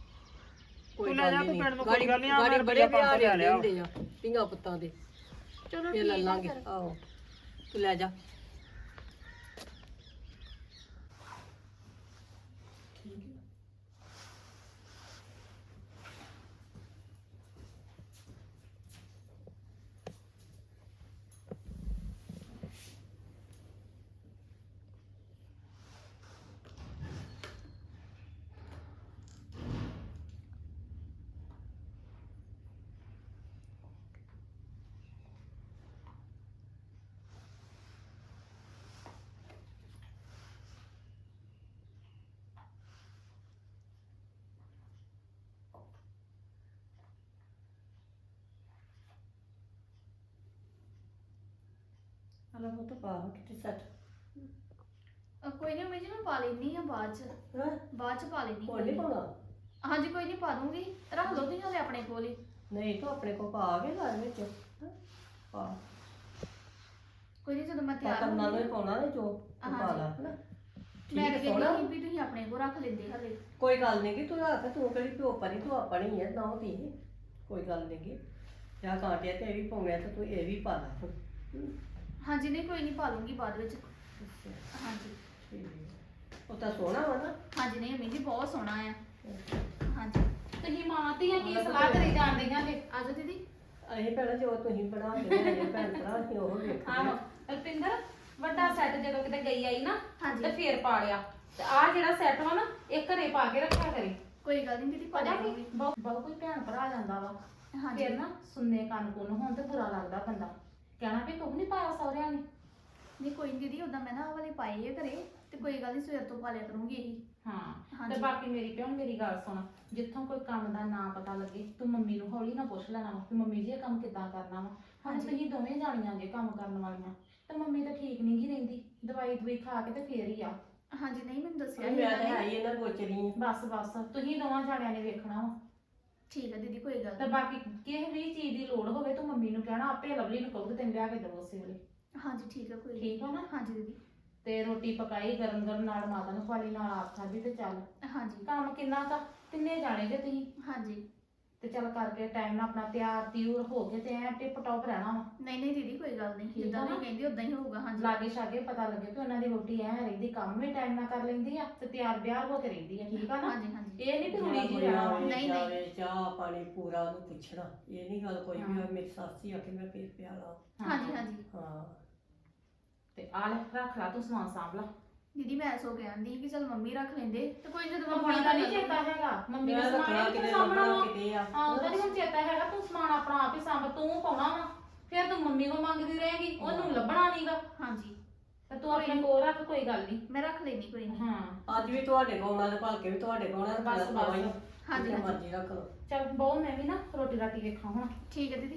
[SPEAKER 3] ਤੂੰ ਲੈ ਜਾ, ਤੂੰ ਪਿੰਡ ਨੂੰ ਕੋਈ ਗੱਲ ਨੀ, ਆ
[SPEAKER 2] ਗਾੜੀ
[SPEAKER 3] ਮੈਂ
[SPEAKER 2] ਬੜੇ
[SPEAKER 3] ਰੁਪਈਆ ਪੰਜ ਸੌ
[SPEAKER 2] ਵਿਆਹ
[SPEAKER 3] ਲੈ ਲਿਆ।
[SPEAKER 2] ਲੈਂਦੇ ਆ ਧੀਆਂ ਪੁੱਤਾਂ ਦੇ,
[SPEAKER 1] ਚਲੋ
[SPEAKER 2] ਇਹ ਲੈ
[SPEAKER 1] ਠੀਕ ਆ
[SPEAKER 2] ਲਾਂਗੇ।
[SPEAKER 1] ਫਿਰ।
[SPEAKER 2] ਆਹੋ ਤੂੰ ਲੈ ਜਾ। ਹਲਾ ਉਹ ਤਾਂ ਪਾ ਕਿਤੇ ਸੱਟ
[SPEAKER 4] ਅ, ਕੋਈ ਨਹੀਂ ਜੀ ਮੈਂ ਪਾ ਲੈਣੀ ਆ ਬਾਅਦ ਚ
[SPEAKER 2] ਹਾਂ
[SPEAKER 4] ਬਾਅਦ ਚ ਪਾ ਲੈਣੀ
[SPEAKER 2] ਕੋਲ ਨਹੀਂ ਪਾਉਣਾ।
[SPEAKER 4] ਹਾਂਜੀ ਕੋਈ ਨਹੀਂ ਪਾ ਦੂੰਗੀ, ਰੱਖ ਲਓ ਤੁਸੀਂ ਹਲੇ ਆਪਣੇ ਕੋਲ ਹੀ।
[SPEAKER 2] ਨਹੀਂ ਤੂੰ ਆਪਣੇ ਕੋ ਪਾ ਕੇ ਘਰ ਵਿੱਚ ਹਾਂ, ਪਾ
[SPEAKER 4] ਕੋਈ ਨਹੀਂ ਜਦੋਂ ਮੈਂ ਤਿਆਰ
[SPEAKER 2] ਕਰਨਾ ਨੂੰ ਹੀ
[SPEAKER 4] ਹੋਊਂਗੀ-
[SPEAKER 2] ਪਾਉਣਾ ਨੇ ਜੋ ਤੂੰ ਪਾ ਲਾ ਹਨਾ।
[SPEAKER 4] ਮੈਂ
[SPEAKER 2] ਠੀਕ
[SPEAKER 4] ਤਾਂ
[SPEAKER 2] ਸੋਹਣਾ।
[SPEAKER 4] ਕਹਿੰਦੀ ਸੀ ਵੀ ਤੁਸੀਂ ਆਪਣੇ ਕੋਲ ਰੱਖ ਲੈਂਦੇ ਹਲੇ।
[SPEAKER 2] ਕੋਈ ਗੱਲ ਨਹੀਂ ਕਿ ਤੂੰ ਰੱਖ, ਤੂੰ ਕਿਹੜੀ ਪਿਓ ਪਰੀ, ਤੂੰ ਆਪਣੀ ਹੈ ਨਾ ਧੀ, ਕੋਈ ਗੱਲ ਨਹੀਂ ਕਿ ਜਾਂ ਕਾਂਟਿਆ ਤੇ ਇਹ ਵੀ ਪਾਉਣਾ ਤੇ ਤੂੰ ਇਹ ਵੀ ਪਾ ਲਾ ਹੁਣ। ਹਮ,
[SPEAKER 4] ਹਾਂਜੀ ਨਹੀਂ ਕੋਈ ਨਹੀਂ ਪਾ ਲੂੰਗੀ ਬਾਅਦ ਵਿੱਚ।
[SPEAKER 2] ਅੱਛਾ,
[SPEAKER 4] ਹਾਂਜੀ
[SPEAKER 2] ਠੀਕ ਹੈ। ਉਹ ਤਾਂ ਸੋਹਣਾ ਵਾ ਨਾ।
[SPEAKER 4] ਹਾਂਜੀ ਨਹੀਂ ਅਮੀ ਜੀ ਬਹੁਤ ਸੋਹਣਾ ਆ। ਹਾਂਜੀ
[SPEAKER 1] ਤੁਸੀਂ ਮਾਂ ਧੀਆਂ ਕੀ ਸਲਾਹ ਕਰੀ ਜਾਂਦੀਆਂ ਜੇ?
[SPEAKER 4] ਆਜੋ ਦੀਦੀ।
[SPEAKER 2] ਅਸੀਂ ਭੈਣਾ ਜੋ ਤੁਸੀਂ ਬਣਾ ਕੇ ਲਿਆਏ ਭੈਣ ਭਰਾ ਅਸੀਂ ਉਹ ਵੇਖਦੇ
[SPEAKER 1] ਆਹੋ
[SPEAKER 2] ਹਾਂ।
[SPEAKER 1] ਰਪਿੰਦਰ, ਵੱਡਾ ਸੈੱਟ ਜਦੋਂ ਕਿਤੇ ਗਈ ਆਈ ਨਾ
[SPEAKER 4] ਹਾਂਜੀ।
[SPEAKER 1] ਤੇ ਫੇਰ ਪਾ ਲਿਆ, ਤੇ ਆਹ ਜਿਹੜਾ ਸੈੱਟ ਵਾ ਨਾ ਇਹ ਘਰੇ ਪਾ ਕੇ ਰੱਖਿਆ ਕਰੇ।
[SPEAKER 4] ਕੋਈ ਗੱਲ ਨਹੀਂ ਦੀਦੀ ਪਾ
[SPEAKER 1] ਪਤਾ
[SPEAKER 4] ਲੂੰਗੀ।
[SPEAKER 1] ਕੀ ਬਹੁਤ ਬਹੁਤ ਕੋਈ ਭੈਣ ਭਰਾ ਜਾਂਦਾ ਵਾ,
[SPEAKER 4] ਹਾਂਜੀ
[SPEAKER 1] ਫੇਰ ਨਾ ਸੁਣਨੇ ਕੰਨ ਕੁੰਨ ਹੋਣ ਤੇ ਬੁਰਾ ਲੱਗਦਾ ਬੰਦਾ, ਕਹਿਣਾ ਵੀ ਕੁਝ ਨਹੀਂ ਪਾਇਆ ਸਹੁਰਿਆਂ ਨੇ।
[SPEAKER 4] ਨਹੀਂ ਕੋਈ ਨਹੀਂ ਦੀਦੀ, ਉਦਾਂ ਮੈਂ ਨਾ ਆਹ ਵਾਲੇ ਪਾਏ ਆ ਘਰੇ, ਤੇ ਕੋਈ ਗੱਲ ਨਹੀਂ ਸਵੇਰ ਤੋਂ ਪਾ ਲਿਆ ਕਰੂੰਗੀ ਇਹੀ।
[SPEAKER 1] ਹਾਂ
[SPEAKER 4] ਹਾਂਜੀ।
[SPEAKER 1] ਤੇ ਬਾਕੀ ਮੇਰੀ ਭੈਣ ਮੇਰੀ ਗੱਲ ਸੁਣ, ਜਿੱਥੋਂ ਕੋਈ ਕੰਮ ਦਾ ਨਾ ਪਤਾ ਲੱਗੇ ਤੂੰ ਮੰਮੀ ਨੂੰ ਹੌਲੀ ਨਾ ਪੁੱਛ ਲੈਣਾ ਵਾ ਕਿ ਮੰਮੀ ਜੀ ਇਹ ਕੰਮ ਕਿੱਦਾਂ ਕਰਨਾ ਵਾ। ਹੁਣ
[SPEAKER 4] ਹਾਂਜੀ।
[SPEAKER 1] ਤੁਸੀਂ ਦੋਵੇਂ ਜਾਣੀਆਂ ਜੇ ਕੰਮ ਕਰਨ ਵਾਲੀਆਂ, ਤੇ ਮੰਮੀ ਤਾਂ ਠੀਕ ਨਹੀਂ ਗੀ ਰਹਿੰਦੀ, ਦਵਾਈ ਦਵਾਈ ਖਾ ਕੇ ਤੇ ਫੇਰ ਹੀ ਆ।
[SPEAKER 4] ਹਾਂਜੀ ਨਹੀਂ ਮੈਨੂੰ ਦੱਸਿਆ
[SPEAKER 2] ਮੈਂ
[SPEAKER 4] ਸੀ
[SPEAKER 2] ਤਾਂ
[SPEAKER 4] ਇਹਨਾਂ
[SPEAKER 2] ਹੈ
[SPEAKER 4] ਨੇ।
[SPEAKER 2] ਹੀ ਇਹਨਾਂ ਗੋਚਰੀ ਹਾਂ।
[SPEAKER 1] ਬਸ ਬਸ ਤੁਸੀਂ ਦੋਵਾਂ ਜਾਣਿਆਂ ਨੇ ਵੇਖਣਾ ਵਾ।
[SPEAKER 4] ਠੀਕ ਹੈ ਦੀਦੀ ਕੋਈ ਗੱਲ
[SPEAKER 1] ਤੇ
[SPEAKER 4] ਨਹੀਂ।
[SPEAKER 1] ਬਾਕੀ ਕਿਸੇ ਵੀ ਚੀਜ਼ ਦੀ ਲੋੜ ਹੋਵੇ ਤੂੰ ਮੰਮੀ ਨੂੰ ਕਹਿਣਾ, ਆਪੇ ਲਵਲੀ ਨੂੰ ਕਹੂਗੀ ਤੈਨੂੰ ਲਿਆ ਕੇ ਦੇਵੋ ਉਸੇ ਵੇਲੇ।
[SPEAKER 4] ਹਾਂਜੀ ਠੀਕ ਹੈ ਕੋਈ
[SPEAKER 1] ਠੀਕ ਆ ਨਾ?
[SPEAKER 4] ਹਾਂਜੀ ਦੀਦੀ।
[SPEAKER 1] ਤੇ ਰੋਟੀ ਪਕਾਈ ਗਰਮ ਗਰਮ, ਨਾਲ ਮਾਤਾ ਨੂੰ ਖਵਾਲੀ, ਨਾਲ ਆਪ ਖਾਧੀ, ਤੇ ਚੱਲ
[SPEAKER 4] ਹਾਂਜੀ
[SPEAKER 1] ਕੰਮ ਕਿੰਨਾ ਕਾ ਤਿੰਨੇ ਜਾਣੇ ਜੇ ਤੁਸੀਂ,
[SPEAKER 4] ਹਾਂਜੀ
[SPEAKER 1] ਤੇ ਚੱਲ ਕਰਕੇ ਟਾਈਮ ਨਾਲ ਆਪਣਾ ਤਿਆਰ ਤਿਉਰ ਹੋ ਕੇ ਤੇ ਐ ਟਿਪ ਟੌਪ ਰਹਿਣਾ ਵਾ।
[SPEAKER 4] ਨਹੀਂ ਨਹੀਂ ਦੀਦੀ ਕੋਈ ਗੱਲ ਨਹੀਂ,
[SPEAKER 1] ਠੀਕ
[SPEAKER 4] ਜਿੱਦਾਂ
[SPEAKER 1] ਆ
[SPEAKER 4] ਨਹੀਂ
[SPEAKER 1] ਨਾ?
[SPEAKER 4] ਕਹਿੰਦੀ ਉਦਾਂ ਹੀ ਹੋਊਗਾ। ਹਾਂਜੀ
[SPEAKER 1] ਲਾਗੇ ਛਾਗੇ ਪਤਾ ਲੱਗੇ ਕਿ ਉਹਨਾਂ ਦੀ ਰੋਟੀ ਐ ਰਹਿੰਦੀ, ਕੰਮ ਵੀ ਟਾਈਮ ਨਾਲ ਕਰ ਲੈਂਦੀ ਆ ਤੇ ਤਿਆਰ ਬਿਆਰ ਹੋ ਕੇ ਰਹਿੰਦੀ ਆ। ਠੀਕ ਆ ਨਾ?
[SPEAKER 4] ਹਾਂਜੀ ਹਾਂਜੀ
[SPEAKER 1] ਇਹ ਨਹੀਂ ਕਿ ਰੁਲੀ ਜੀ ਰਹਿਣਾ ਵਾ।
[SPEAKER 4] ਨਹੀਂ, ਨਹੀਂ।
[SPEAKER 2] ਜਾਵੇ ਚਾਹ ਪਾਣੀ ਪੂਰਾ ਉਹਨੂੰ ਪੁੱਛਣਾ, ਇਹ ਨਹੀਂ ਗੱਲ ਕੋਈ ਵੀ
[SPEAKER 1] ਹਾਂ।
[SPEAKER 2] ਹੋਵੇ ਮੇਰੀ ਸੱਸ ਹੀ ਆ ਕੇ ਮੈਂ ਫੇਰ ਪਿਆ ਲਾ।
[SPEAKER 4] ਹਾਂਜੀ ਹਾਂਜੀ
[SPEAKER 2] ਹਾਂ
[SPEAKER 1] ਤੇ ਆ ਲੈ ਰੱਖ ਲਾ ਤੂੰ ਸਮਾਨ ਸਾਂਭ ਲਾ।
[SPEAKER 4] ਦੀਦੀ ਮੈਂ ਸੋ ਕਹਿੰਦੀ ਕਿ ਚਲ ਮੰਮੀ ਰੱਖ ਲੈਂਦੇ ਤੇ ਕੋਈ ਜਦੋਂ
[SPEAKER 1] ਮੰਮੀ ਦਾ ਨਹੀਂ ਚੇਤਾ ਹੈਗਾ, ਮੰਮੀ ਨੇ ਸਮਾਨ ਕਿੱਥੇ ਸਾਂਭਣਾ ਵਾ।
[SPEAKER 2] ਕਿਤੇ ਆ
[SPEAKER 1] ਹਾਂ ਉਹਦਾ ਨਹੀਂ ਚੇਤਾ ਹੈਗਾ, ਤੂੰ ਸਮਾਨ ਆਪਣਾ ਆਪ ਹੀ ਸਾਂਭ, ਤੂੰ ਪਾਉਣਾ ਵਾ, ਫਿਰ ਤੂੰ ਮੰਮੀ ਕੋਲ ਮੰਗਦੀ ਰਹੇਗੀ, ਉਹਨੂੰ ਲੱਭਣਾ ਨਹੀਂਗਾ।
[SPEAKER 4] ਹਾਂਜੀ
[SPEAKER 1] ਤੇ ਤੂੰ ਆਪਣੇ ਕੋਲ ਰੱਖ, ਕੋਈ ਗੱਲ ਨਹੀਂ।
[SPEAKER 4] ਮੈਂ ਰੱਖ ਲੈਣੀ ਕੋਈ ਨਹੀਂ।
[SPEAKER 1] ਹਾਂ
[SPEAKER 2] ਅੱਜ ਵੀ ਤੁਹਾਡੇ ਕੋਲ ਆਉਣਾ ਤੇ ਭਲਕੇ ਵੀ ਤੁਹਾਡੇ ਕੋਲ ਆਉਣਾ,
[SPEAKER 1] ਬਸ, ਬਸ।
[SPEAKER 2] ਹਾਂਜੀ
[SPEAKER 4] ਹਾਂਜੀ, ਹਾਂਜੀ।
[SPEAKER 2] ਮਰਜ਼ੀ ਰੱਖ ਲਓ।
[SPEAKER 1] ਚੱਲ ਬਹੁ ਮੈਂ ਵੀ ਨਾ ਰੋਟੀ ਰਾਟੀ ਵੇਖਾਂ ਹੁਣ।
[SPEAKER 4] ਠੀਕ ਹੈ ਦੀਦੀ।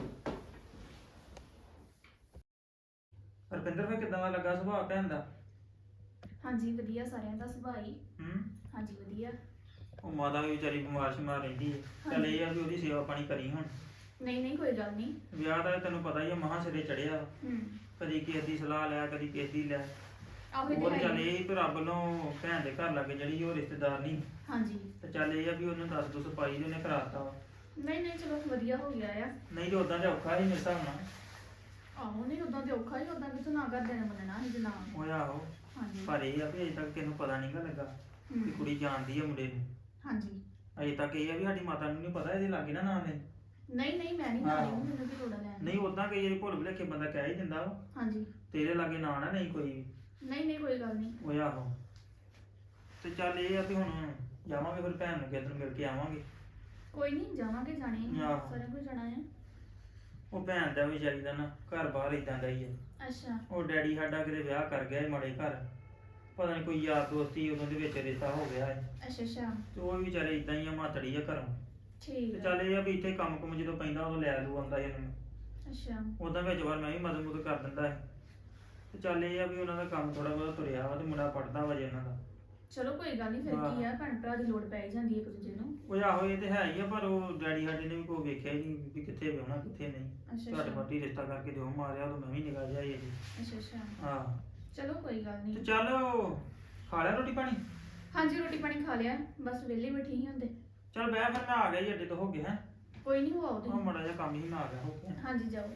[SPEAKER 3] ਰੁਪਿੰਦਰ ਫਿਰ ਕਿਦਾਂ ਦਾ ਲੱਗਾ ਸੁਭਾਅ ਭੈਣ ਦਾ?
[SPEAKER 4] ਹਾਂਜੀ ਵਧੀਆ, ਸਾਰਿਆਂ ਦਾ ਸੁਭਾਅ ਹੀ।
[SPEAKER 3] ਹੂੰ
[SPEAKER 4] ਹਾਂਜੀ ਵਧੀਆ।
[SPEAKER 3] ਉਹ ਮਾਤਾ ਵੀ ਵਿਚਾਰੀ ਬਿਮਾਰ ਸ਼ਿਮਾਰ ਰਹਿੰਦੀ ਹੈ, ਚੱਲ ਇਹ ਆ ਵੀ ਉਹਦੀ ਸੇਵਾ ਪਾਣੀ ਕਰੀ ਹੁਣ।
[SPEAKER 4] ਨਹੀਂ ਨਹੀਂ ਕੋਈ ਗੱਲ ਨਹੀਂ।
[SPEAKER 3] ਵਿਆਹ ਦਾ ਤੈਨੂੰ ਪਤਾ ਹੀ ਆ, ਮਹਾਂ ਸਿਰੇ ਚੜਿਆ,
[SPEAKER 4] ਹੂੰ
[SPEAKER 3] ਕਦੀ ਕਿਸੇ ਦੀ ਸਲਾਹ ਲੈ, ਕਦੀ ਕਿਸੇ ਦੀ ਲੈ।
[SPEAKER 4] ਆਹੋ ਇਹ
[SPEAKER 3] ਉਹ
[SPEAKER 4] ਤੇ
[SPEAKER 3] ਚੱਲ
[SPEAKER 4] ਹੈ ਹੀ।
[SPEAKER 3] ਇਹ ਵੀ ਰੱਬ ਨੂੰ ਭੈਣ ਦੇ ਘਰ ਲੱਗੇ ਜਿਹੜੀ ਉਹ ਰਿਸ਼ਤੇਦਾਰ ਨਹੀਂ,
[SPEAKER 4] ਹਾਂਜੀ
[SPEAKER 3] ਤੇ ਚੱਲ ਇਹ ਆ ਵੀ ਉਹਨੂੰ ਦੱਸ ਦੁੱਸ ਪਾਈ ਤੇ ਉਹਨੇ ਕਰਾਤਾ ਵਾ।
[SPEAKER 4] ਨਹੀਂ ਨਹੀਂ ਚਲੋ ਵਧੀਆ ਹੋ ਗਿਆ ਆ।
[SPEAKER 3] ਨਹੀਂ ਤੇ ਉਦਾਂ ਤੇ ਔਖਾ ਹੀ ਮੇਰੇ ਹਿਸਾਬ ਨਾਲ।
[SPEAKER 4] ਆਹੋ ਨਹੀਂ ਉਦਾਂ ਤੇ ਔਖਾ ਹੀ, ਉਦਾਂ ਕਿਥੋਂ ਨਾ ਕਰਦੇ ਨੇ ਮੰਨਣਾ ਸੀ ਜਨਾ।
[SPEAKER 3] ਉਹ ਆਹੋ,
[SPEAKER 4] ਹਾਂਜੀ
[SPEAKER 3] ਪਰ ਇਹ ਆ ਵੀ ਅਜੇ ਤੱਕ ਕਿਸੇ ਨੂੰ ਪਤਾ ਨਹੀਂਗਾ ਲੱਗਾ
[SPEAKER 4] ਹੂੰ,
[SPEAKER 3] ਕਿ ਕੁੜੀ ਜਾਣਦੀ ਆ ਮੁੰਡੇ ਨੂੰ।
[SPEAKER 4] ਹਾਂਜੀ
[SPEAKER 3] ਅਜੇ ਤੱਕ ਇਹ ਆ ਵੀ ਸਾਡੀ ਮਾਤਾ ਨੂੰ ਨਹੀਂ ਪਤਾ ਇਹਦੇ ਲਾਗੇ ਨਾ ਨਾਂ ਨੇ।
[SPEAKER 4] ਨਹੀਂ ਨਹੀਂ ਮੈਂ ਨਹੀਂ
[SPEAKER 3] ਹਾਂ।
[SPEAKER 4] ਨਾਲ ਮੈਨੂੰ ਕੀ ਲੋੜ ਲੈਣ ਦੀ।
[SPEAKER 3] ਨਹੀਂ ਉਦਾਂ ਕਈ ਵਾਰੀ ਭੁੱਲ ਭੁਲੇਖੇ ਬੰਦਾ ਕਹਿ ਹੀ ਦਿੰਦਾ ਵਾ,
[SPEAKER 4] ਹਾਂਜੀ
[SPEAKER 3] ਤੇ ਇਹਦੇ ਲਾਗੇ ਨਾਂ ਨਾ ਨਹੀਂ ਕੋਈ ਵੀ।
[SPEAKER 4] ਨਹੀਂ ਨਹੀਂ ਕੋਈ ਗੱਲ ਨਹੀਂ।
[SPEAKER 3] ਉਹ ਆਹੋ, ਤੇ ਚੱਲ ਇਹ ਆ ਵੀ ਹੁਣ ਜਾਵਾਂਗੇ ਫਿਰ ਭੈਣ ਨੂੰ ਕਿਸੇ ਦਿਨ ਮਿਲ ਕੇ ਆਵਾਂਗੇ।
[SPEAKER 4] ਕੋਈ ਨਹੀਂ ਜਾਵਾਂਗੇ, ਜਾਣੇ ਆ,
[SPEAKER 3] ਆਹੋ।
[SPEAKER 4] ਸਾਰਿਆਂ ਕੋਲ ਜਾਣਾ ਹੈ।
[SPEAKER 3] ਉਹ ਭੈਣ ਦਾ ਵੀ ਵਿਚਾਰੀ ਦਾ ਨਾ ਘਰ ਬਾਹਰ ਇਦਾਂ ਦਾ ਹੀ ਆ।
[SPEAKER 4] ਅੱਛਾ
[SPEAKER 3] ਉਹ ਡੈਡੀ ਸਾਡਾ ਕਿਤੇ ਵਿਆਹ ਕਰ ਗਿਆ ਸੀ ਮਾੜੇ ਘਰ, ਪਤਾ ਨਹੀਂ ਕੋਈ ਯਾਰ ਦੋਸਤੀ ਉਹਨਾਂ ਦੇ ਵਿੱਚ ਰਿਸ਼ਤਾ ਹੋ ਗਿਆ ਹੈ,
[SPEAKER 4] ਅੱਛਾ ਅੱਛਾ
[SPEAKER 3] ਤੇ ਉਹ ਵੀ ਵਿਚਾਰੇ ਇਦਾਂ ਹੀ ਆ, ਮਾਤੜੀ ਆ ਘਰੋਂ।
[SPEAKER 4] ਠੀਕ
[SPEAKER 3] ਤੇ
[SPEAKER 4] ਹੈ।
[SPEAKER 3] ਚੱਲ ਇਹ ਆ ਵੀ ਇੱਥੇ ਕੰਮ ਕੁਮ ਜਦੋਂ ਪੈਂਦਾ ਉਦੋਂ ਲੈ ਲੂ ਆਉਂਦਾ ਇਹਨੂੰ।
[SPEAKER 4] ਅੱਛਾ
[SPEAKER 3] ਉਦਾਂ ਵਿੱਚ ਵਾਰ ਮੈਂ ਵੀ ਮਦਦ ਮੁਦਦ ਕਰ ਦਿੰਦਾ ਹੈ, ਤੇ ਚੱਲ ਇਹ ਆ ਵੀ ਉਹਨਾਂ ਦਾ ਕੰਮ ਥੋੜਾ ਬਹੁਤ ਤੁਰਿਆ ਵਾ, ਤੇ ਮੁੰਡਾ ਪੜਦਾ ਵਾ ਜੇ ਉਹਨਾਂ ਦਾ।
[SPEAKER 4] ਚਲੋ ਕੋਈ ਗੱਲ ਨਹੀਂ, ਫਿਰ ਕੀ ਆ, ਭੈਣ ਭਰਾ ਦੀ ਲੋੜ ਪੈ ਹੀ ਜਾਂਦੀ ਹੈ ਇੱਕ ਦੂਜੇ ਨੂੰ।
[SPEAKER 3] ਉਹ ਆਹੋ ਇਹ ਤੇ ਹੈ ਹੀ ਆ, ਪਰ ਉਹ ਡੈਡੀ ਸਾਡੇ ਨੇ ਵੀ ਕੋਈ ਵੇਖਿਆ ਹੀ ਨਹੀਂ ਵੀ ਕਿੱਥੇ ਵਿਆਹਣਾ ਕਿੱਥੇ ਨਹੀਂ।
[SPEAKER 4] ਅੱਛਾ
[SPEAKER 3] ਤੁਹਾਡੇ
[SPEAKER 4] ਅੱਛਾ
[SPEAKER 3] ਮੱਟੀ ਰਿਸ਼ਤਾ ਕਰਕੇ ਦਿਓ ਮਾਰਿਆ, ਉਦੋਂ ਮੈਂ ਵੀ ਨਿਗਾਹ ਜਾਈ ਜੀ।
[SPEAKER 4] ਅੱਛਾ ਅੱਛਾ
[SPEAKER 3] ਹਾਂ
[SPEAKER 4] ਚਲੋ ਕੋਈ ਗੱਲ
[SPEAKER 3] ਤੇ
[SPEAKER 4] ਨਹੀਂ।
[SPEAKER 3] ਚੱਲ ਉਹ ਖਾ ਲਿਆ ਰੋਟੀ ਪਾਣੀ?
[SPEAKER 4] ਹਾਂਜੀ ਰੋਟੀ ਪਾਣੀ ਖਾ ਲਿਆ, ਬਸ ਵਿਹਲੇ ਬੈਠੇ ਹੀ ਹੁੰਦੇ।
[SPEAKER 3] ਚੱਲ ਬਹਿ ਫਿਰ, ਮੈਂ ਆ ਗਿਆ ਜੀ, ਅੱਡੇ ਤੋਂ ਹੋ ਗਿਆ ਹੈ।
[SPEAKER 4] ਕੋਈ ਨਹੀਂ ਹੋ ਆਓ
[SPEAKER 3] ਉਹ
[SPEAKER 4] ਤੁਸੀਂ।
[SPEAKER 3] ਮਾੜਾ ਜਿਹਾ ਕੰਮ ਹੀ ਮੈਂ ਆ ਗਿਆ ਹੋ ਗਿਆ।
[SPEAKER 4] ਹਾਂਜੀ ਜਾਓ।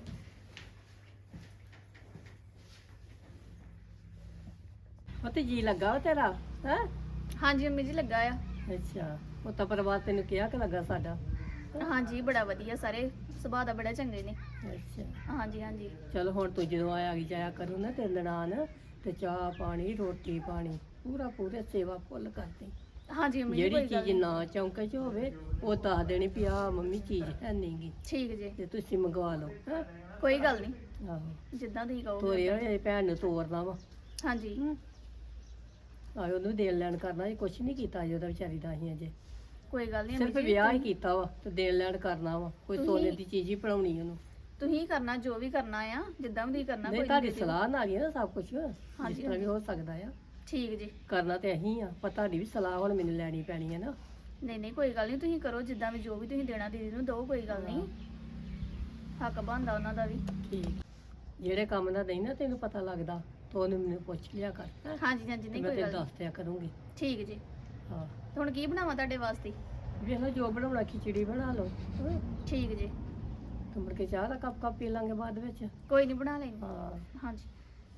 [SPEAKER 2] ਉਹ ਤੇ ਜੀ ਲੱਗਾ ਵਾ ਤੇਰਾ ਹੈ?
[SPEAKER 4] ਹਾਂਜੀ ਅੰਮੀ ਜੀ ਲੱਗਾ ਆ।
[SPEAKER 2] ਅੱਛਾ, ਉਹ ਤਾਂ ਪਰਿਵਾਰ ਤੈਨੂੰ ਕਿਹਾ ਕਿ ਲੱਗਾ ਸਾਡਾ?
[SPEAKER 4] ਹਾਂਜੀ ਬੜਾ ਵਧੀਆ, ਸਾਰੇ ਸੁਭਾਅ ਦਾ ਬੜਾ ਚੰਗੇ ਨੇ।
[SPEAKER 2] ਅੱਛਾ
[SPEAKER 4] ਹਾਂਜੀ ਹਾਂਜੀ
[SPEAKER 2] ਚਲ ਹੁਣ ਤੂੰ ਜਦੋਂ ਆਇਆ ਗਈ ਜਾਇਆ ਕਰੂ ਨਾ ਤੇ ਨਨਾਣ, ਤੇ ਚਾਹ ਪਾਣੀ ਰੋਟੀ ਪਾਣੀ ਪੂਰਾ ਪੂਰੇ ਸੇਵਾ ਫੁੱਲ ਕਰਦੀ।
[SPEAKER 4] ਹਾਂਜੀ ਅੰਮੀ ਜੀ
[SPEAKER 2] ਜਿਹੜੀ
[SPEAKER 4] ਕੋਈ ਗੱਲ
[SPEAKER 2] ਚੀਜ਼
[SPEAKER 4] ਨੀ।
[SPEAKER 2] ਨਾ ਚੌਂਕੇ 'ਚ ਹੋਵੇ ਉਹ ਦੱਸ ਦੇਣੀ ਵੀ ਆਹ ਮੰਮੀ ਚੀਜ਼ ਹੈ ਨਹੀਂਗੀ,
[SPEAKER 4] ਠੀਕ ਜੀ,
[SPEAKER 2] ਤੇ ਤੁਸੀਂ ਮੰਗਵਾ ਲਓ। ਹੈਂ?
[SPEAKER 4] ਕੋਈ ਗੱਲ ਨਹੀਂ,
[SPEAKER 2] ਆਹੋ
[SPEAKER 4] ਜਿੱਦਾਂ ਤੁਸੀਂ ਕਹੋਗੇ।
[SPEAKER 2] ਤੋਰੇ ਹੋਏ ਭੈਣ ਨੂੰ ਤੋਰਨਾ ਵਾ।
[SPEAKER 4] ਹਾਂਜੀ
[SPEAKER 2] ਆਏ ਉਹਨੂੰ ਦੇਣ ਲੈਣ ਕਰਨਾ, ਇਹ ਕੁਛ ਨਹੀਂ ਕੀਤਾ ਜੀ ਉਹਦਾ ਵਿਚਾਰੀ ਦਾ ਅਸੀਂ ਅਜੇ,
[SPEAKER 4] ਕੋਈ ਗੱਲ ਨਹੀਂ
[SPEAKER 2] ਸਿਰਫ ਵਿਆਹ ਹੀ ਕੀਤਾ ਵਾ ਤੇ ਦੇਣ ਲੈਣ ਕਰਨਾ ਵਾ, ਕੋਈ
[SPEAKER 4] ਤੁਸੀਂ-
[SPEAKER 2] ਸੋਨੇ ਦੀ ਚੀਜ਼ ਹੀ ਬਣਾਉਣੀ ਉਹਨੂੰ।
[SPEAKER 4] ਤੁਸੀਂ ਕਰਨਾ ਜੋ ਵੀ ਕਰਨਾ ਆ, ਜਿੱਦਾਂ ਵੀ ਤੁਸੀਂ ਕਰਨਾ।
[SPEAKER 2] ਨਹੀਂ
[SPEAKER 4] ਕੋਈ
[SPEAKER 2] ਤੁਹਾਡੀ
[SPEAKER 4] ਨੀ ਦੇ ਦਿਓ।
[SPEAKER 2] ਸਲਾਹ ਨਾਲ ਹੀ ਆ ਨਾ ਸਭ ਕੁਝ, ਜਿਸ
[SPEAKER 4] ਹਾਂਜੀ,
[SPEAKER 2] ਤਰ੍ਹਾਂ ਵੀ ਹੋ ਸਕਦਾ ਆ।
[SPEAKER 4] ਠੀਕ ਜੀ।
[SPEAKER 2] ਕਰਨਾ ਤੇ ਅਸੀਂ ਆ, ਪਰ ਤੁਹਾਡੀ ਵੀ ਸਲਾਹ ਹੁਣ ਮੈਨੂੰ ਲੈਣੀ ਪੈਣੀ ਹੈ ਨਾ।
[SPEAKER 4] ਨਹੀਂ ਨਹੀਂ ਕੋਈ ਗੱਲ ਨਹੀਂ, ਤੁਸੀਂ ਕਰੋ ਜਿੱਦਾਂ ਵੀ, ਜੋ ਵੀ ਤੁਸੀਂ ਦੇਣਾ ਦੀਦੀ ਨੂੰ ਦਿਓ, ਕੋਈ ਗੱਲ ਨਹੀਂ। ਹੱਕ ਬਣਦਾ ਉਹਨਾਂ ਦਾ ਵੀ।
[SPEAKER 2] ਠੀਕ, ਜਿਹੜੇ ਕੰਮ ਦਾ ਨਹੀਂ ਨਾ ਤੈਨੂੰ ਪਤਾ ਲੱਗਦਾ ਤਾਂ ਉਹਨੂੰ ਮੈਨੂੰ ਪੁੱਛ ਲਿਆ ਕਰ, ਹੈਂ?
[SPEAKER 4] ਹਾਂਜੀ ਹਾਂਜੀ
[SPEAKER 2] ਤੇ
[SPEAKER 4] ਨਹੀਂ
[SPEAKER 2] ਮੈਂ
[SPEAKER 4] ਕੋਈ
[SPEAKER 2] ਤੈਨੂੰ
[SPEAKER 4] ਗੱਲ
[SPEAKER 2] ਦੱਸ ਦਿਆ ਕਰੂੰਗੀ।
[SPEAKER 4] ਨੀ। ਠੀਕ ਜੀ।
[SPEAKER 2] ਹਾਂ
[SPEAKER 4] ਤੇ ਹੁਣ ਕੀ ਬਣਾਵਾਂ ਤੁਹਾਡੇ ਵਾਸਤੇ?
[SPEAKER 2] ਵੇਖ ਲਓ ਜੋ ਬਣਾਉਣਾ, ਖਿਚੜੀ ਬਣਾ ਲਓ, ਹੈਂ?
[SPEAKER 4] ਠੀਕ ਜੀ,
[SPEAKER 2] ਤੇ ਮੁੜ ਕੇ ਚਾਹ ਦਾ ਕੱਪ ਕੱਪ ਪੀ ਲਾਂਗੇ ਬਾਅਦ ਵਿੱਚ।
[SPEAKER 4] ਕੋਈ ਨਹੀਂ ਬਣਾ ਲੈਣੀ।
[SPEAKER 2] ਹਾਂ
[SPEAKER 4] ਹਾਂਜੀ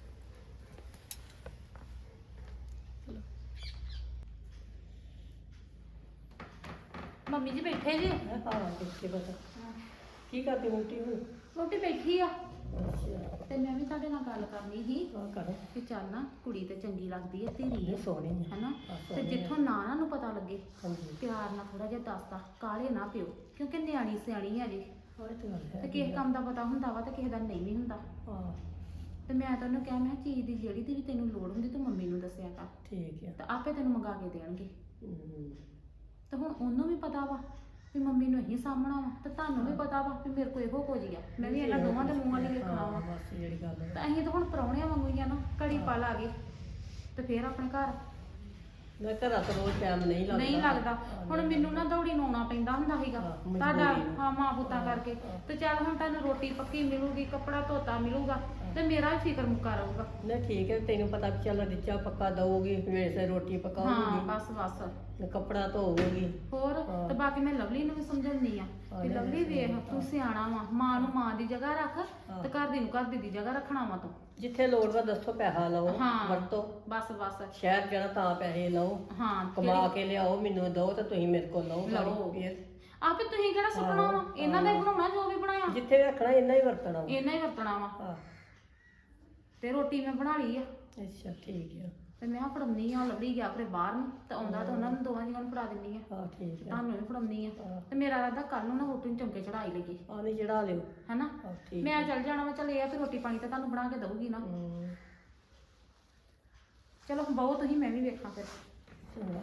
[SPEAKER 1] ਮੰਮੀ ਜੀ ਬੈਠੇ ਜੀ?
[SPEAKER 2] ਹਾਂ ਕਿੱਥੇ ਪਤਾ ਕੀ ਕਰਦੀ ਮੁੰਟੀ ਹੁਣ?
[SPEAKER 1] ਰੋਟੀ ਬੈਠੀ ਆ,
[SPEAKER 2] ਅੱਛਾ
[SPEAKER 1] ਤੇ ਮੈਂ ਵੀ ਤੁਹਾਡੇ ਨਾਲ ਗੱਲ ਕਰਨੀ ਸੀ
[SPEAKER 2] ਹਾਂ ਕਰੋ।
[SPEAKER 1] ਕਿ ਚੱਲ ਨਾ ਕੁੜੀ ਤੇ ਚੰਗੀ ਲੱਗਦੀ ਹੈ, ਧੀਰੀ
[SPEAKER 2] ਇਹ
[SPEAKER 1] ਹੈ
[SPEAKER 2] ਸੋਹਣੀ ਹੈ।
[SPEAKER 1] ਹਨਾ,
[SPEAKER 2] ਹਾਂ,
[SPEAKER 1] ਤੇ
[SPEAKER 2] ਸੋਹਣੀ
[SPEAKER 1] ਜਿੱਥੋਂ ਨਾ ਨਾ ਨੂੰ ਪਤਾ ਲੱਗੇ
[SPEAKER 2] ਹਾਂਜੀ
[SPEAKER 1] ਪਿਆਰ ਨਾਲ ਥੋੜਾ ਜਿਹਾ ਦੱਸਦਾ, ਕਾਲੇ ਨਾ ਪਿਓ, ਕਿਉਂਕਿ ਨਿਆਣੀ ਸਿਆਣੀ ਹੈ ਜੀ,
[SPEAKER 2] ਹਾਂ ਇਹ ਤਾਂ ਗੱਲ ਹੈ।
[SPEAKER 1] ਤੇ ਕਿਸੇ ਕੰਮ ਦਾ ਪਤਾ ਹੁੰਦਾ ਵਾ ਤੇ ਕਿਸੇ ਦਾ ਨਹੀਂ ਵੀ ਹੁੰਦਾ।
[SPEAKER 2] ਹਾਂ
[SPEAKER 1] ਤੇ ਮੈਂ ਤਾਂ ਉਹਨੂੰ ਕਿਹਾ, ਮੈਂ ਕਿਹਾ ਚੀਜ਼ ਦੀ ਜਿਹੜੀ ਦੀ ਵੀ ਤੈਨੂੰ ਲੋੜ ਹੁੰਦੀ ਤੂੰ ਮੰਮੀ ਨੂੰ ਦੱਸਿਆ ਕਰ,
[SPEAKER 2] ਠੀਕ ਹੈ।
[SPEAKER 1] ਤੇ ਆਪੇ ਤੈਨੂੰ ਮੰਗਾ ਕੇ ਦੇਣਗੇ।
[SPEAKER 2] ਹਮ,
[SPEAKER 1] ਤੇ ਹੁਣ ਉਹਨੂੰ ਵੀ ਪਤਾ ਵਾ ਵੀ ਮੰਮੀ ਨੂੰ ਇਹੀ ਸਾਹਮਣਾ ਵਾ, ਤੇ ਤੁਹਾਨੂੰ ਵੀ ਪਤਾ ਵਾ ਵੀ ਮੇਰੇ ਕੋਲ ਇਹੋ ਕੁਝ ਹੀ ਆ, ਮੈਂ ਵੀ ਇਹਨਾਂ ਦੋਵਾਂ ਦੇ ਮੂੰਹਾਂ ਲਈ ਵੇਖਣਾ ਵਾ।
[SPEAKER 2] ਹਾਂ, ਬਸ ਜਿਹੜੀ ਗੱਲ ਹੈ।
[SPEAKER 1] ਤਾਂ ਅਸੀਂ ਤਾਂ ਹੁਣ ਪ੍ਰਾਹੁਣਿਆਂ ਵਾਂਗੂ ਹੀ ਆ ਨਾ, ਘੜੀ ਪਾ ਲਾ ਗਏ ਤੇ ਫੇਰ ਆਪਣੇ ਘਰ
[SPEAKER 2] ਮੈਂ ਘਰਾਂ ਤੋਂ ਰੋਜ਼ ਟਾਈਮ ਨਹੀਂ ਲੱਗਦਾ।
[SPEAKER 1] ਨਹੀਂ ਲੱਗਦਾ।
[SPEAKER 2] ਹਾਂ,
[SPEAKER 1] ਹੁਣ
[SPEAKER 2] ਨਹੀਂ
[SPEAKER 1] ਮੈਨੂੰ ਨਾ ਦੌੜੀ ਨੂੰ ਆਉਣਾ ਪੈਂਦਾ ਹੁੰਦਾ ਸੀਗਾ
[SPEAKER 2] ਹਾਂ, ਮਜਬੂਰੀ
[SPEAKER 1] ਤੁਹਾਡਾ,
[SPEAKER 2] ਨੂੰ।
[SPEAKER 1] ਹਾਂ ਮਾਂ ਪੁੱਤਾਂ ਕਰਕੇ। ਤੇ ਚੱਲ ਹੁਣ ਤੁਹਾਨੂੰ ਰੋਟੀ ਪੱਕੀ ਮਿਲੂਗੀ, ਕੱਪੜਾ ਧੋਤਾ ਮਿਲੂਗਾ, ਤੇ ਮੇਰਾ ਵੀ ਫਿਕਰ ਮੁੱਕਾ ਰਹੂਗਾ।
[SPEAKER 2] ਨਹੀਂ ਠੀਕ ਹੈ, ਤੈਨੂੰ ਪਤਾ ਵੀ ਚੱਲ ਰਿਚਾ ਪੱਕਾ ਦਊਗੀ, ਵੇਲੇ ਸਿਰ ਰੋਟੀ
[SPEAKER 1] ਹਾਂ
[SPEAKER 2] ਪਕਾਉਗੀ,
[SPEAKER 1] ਬਸ ਬਸ
[SPEAKER 2] ਕੱਪੜਾ ਧੋਊਗੀ।
[SPEAKER 1] ਹੋਰ।
[SPEAKER 2] ਹਾਂ।
[SPEAKER 1] ਤੇ ਬਾਕੀ ਮੈਂ ਲਵਲੀ ਨੂੰ ਵੀ ਸਮਝਾਉਂਦੀ ਆ
[SPEAKER 2] ਹਾਂ,
[SPEAKER 1] ਕਿ
[SPEAKER 2] ਨਹੀਂ,
[SPEAKER 1] ਲਵਲੀ ਵੇਖ ਤੂੰ ਸਿਆਣਾ ਵਾ, ਮਾਂ ਨੂੰ ਮਾਂ ਦੀ ਜਗ੍ਹਾ ਰੱਖ
[SPEAKER 2] ਹਾਂ।
[SPEAKER 1] ਤੇ ਘਰ ਦੀ ਨੂੰ ਘਰ ਦੀ ਦੀ ਜਗ੍ਹਾ ਰੱਖਣਾ ਵਾ ਤੂੰ।
[SPEAKER 2] ਜਿੱਥੇ ਲੋੜ ਵਾ ਦੱਸੋ, ਪੈਸਾ ਲਓ
[SPEAKER 1] ਹਾਂ।
[SPEAKER 2] ਵਰਤੋ।
[SPEAKER 1] ਬਸ ਬਸ
[SPEAKER 2] ਸ਼ਹਿਰ ਜਾਣਾ ਤਾਂ ਪੈਸੇ ਲਓ,
[SPEAKER 1] ਹਾਂ
[SPEAKER 2] ਕਮਾ
[SPEAKER 1] ਜਿਹੜੀ-
[SPEAKER 2] ਕੇ ਲਿਆਓ, ਮੈਨੂੰ ਦਿਓ ਤੇ ਤੁਸੀਂ ਮੇਰੇ ਕੋਲ ਲਓ।
[SPEAKER 1] ਲਓ।
[SPEAKER 2] ਗਾੜੀ ਫਿਰ
[SPEAKER 1] ਆਪੇ ਤੁਸੀਂ ਕਿਹੜਾ ਸੁਪਨਾ ਵਾ,
[SPEAKER 2] ਹਾਂ,
[SPEAKER 1] ਇਹਨਾਂ ਦਾ ਹੀ
[SPEAKER 2] ਹਾਂ।
[SPEAKER 1] ਬਣਾਉਣਾ ਜੋ ਵੀ ਬਣਾਇਆ,
[SPEAKER 2] ਜਿੱਥੇ ਰੱਖਣਾ ਇੰਨਾ ਹੀ ਵਰਤਣਾ ਵਾ।
[SPEAKER 1] ਇਹਨਾਂ ਹੀ ਵਰਤਣਾ ਵਾ।
[SPEAKER 2] ਹਾਂ
[SPEAKER 1] ਤੇ ਰੋਟੀ ਮੈਂ ਬਣਾ ਲਈ ਆ
[SPEAKER 2] ਅੱਛਾ ਠੀਕ ਆ
[SPEAKER 1] ਤੇ ਮੈਂ ਫੜਾਉਣੀ ਆ ਲੱਭੀ ਗਿਆ ਫਿਰ ਬਾਹਰ ਨੂੰ ਤੇ ਆਉਂਦਾ ਤਾਂ ਉਹਨਾਂ ਨੂੰ ਦੋਵਾਂ ਜੀਆਂ ਨੂੰ ਫੜਾ ਦਿੰਦੀ ਆ
[SPEAKER 2] ਹਾਂ ਠੀਕ ਆ
[SPEAKER 1] ਤੁਹਾਨੂੰ ਵੀ ਫੜਾਉਣੀ ਆ
[SPEAKER 2] ਹਾਂ।
[SPEAKER 1] ਤੇ ਮੇਰਾ ਰਾਦਾ ਕੱਲ ਨੂੰ ਨਾ ਰੋਟੀ ਨੂੰ ਚਮਕੇ ਚੜਾਈ ਲੱਗੀ
[SPEAKER 2] ਆ ਨਹੀਂ ਚੜਾ ਲਿਓ
[SPEAKER 1] ਹਨਾ
[SPEAKER 2] ਹਾਂ ਠੀਕ
[SPEAKER 1] ਮੈਂ ਚੱਲ ਜਾਣਾ ਵਾ ਚੱਲ ਇਹ ਆ ਤੇ ਰੋਟੀ ਪਾਣੀ ਤਾਂ ਤੁਹਾਨੂੰ ਬਣਾ ਕੇ ਦਊਗੀ ਨਾ
[SPEAKER 2] ਹੂੰ
[SPEAKER 1] ਚਲੋ ਬਹੁਤ ਤੁਸੀਂ ਮੈਂ ਵੀ ਵੇਖਾਂ ਫਿਰ
[SPEAKER 2] ਚੰਗਾ